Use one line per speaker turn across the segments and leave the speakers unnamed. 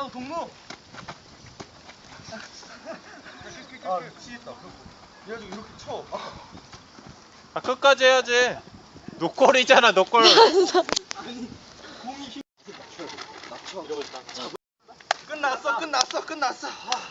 동무. 아 미치겠다. 그래가지고 이렇게 쳐.
아 끝까지 해야지. 노골이잖아 노골.
아니 공이 힘. 맞춰. 끝났어.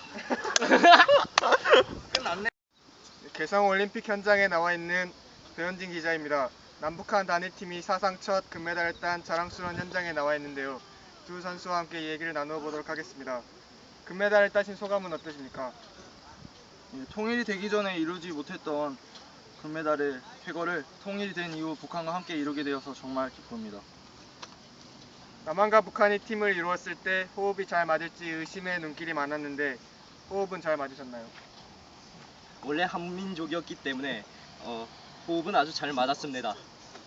끝났네.
개성 올림픽 현장에 나와 있는 배현진 기자입니다. 남북한 단일팀이 사상 첫 금메달을 딴 자랑스러운 현장에 나와 있는데요. 두 선수와 함께 얘기를 나누어 보도록 하겠습니다. 금메달을 따신 소감은 어떠십니까?
통일이 되기 전에 이루지 못했던 금메달의 쾌거를 통일이 된 이후 북한과 함께 이루게 되어서 정말 기쁩니다.
남한과 북한이 팀을 이루었을 때 호흡이 잘 맞을지 의심의 눈길이 많았는데 호흡은 잘 맞으셨나요?
원래 한민족이었기 때문에 호흡은 아주 잘 맞았습니다.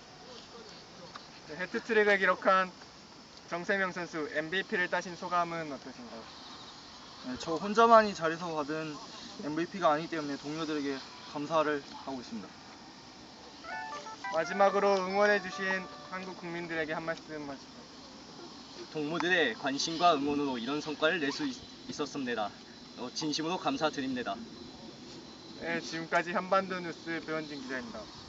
네, 해트트릭을 기록한 정세명 선수 MVP를 따신 소감은 어떠신가요?
저 혼자만이 잘해서 받은 MVP가 아니기 때문에 동료들에게 감사를 하고 있습니다.
마지막으로 응원해주신 한국 국민들에게 한 말씀 하시죠.
동무들의 관심과 응원으로 이런 성과를 낼 수 있었습니다. 진심으로 감사드립니다.
네, 지금까지 한반도 뉴스 배현진 기자입니다.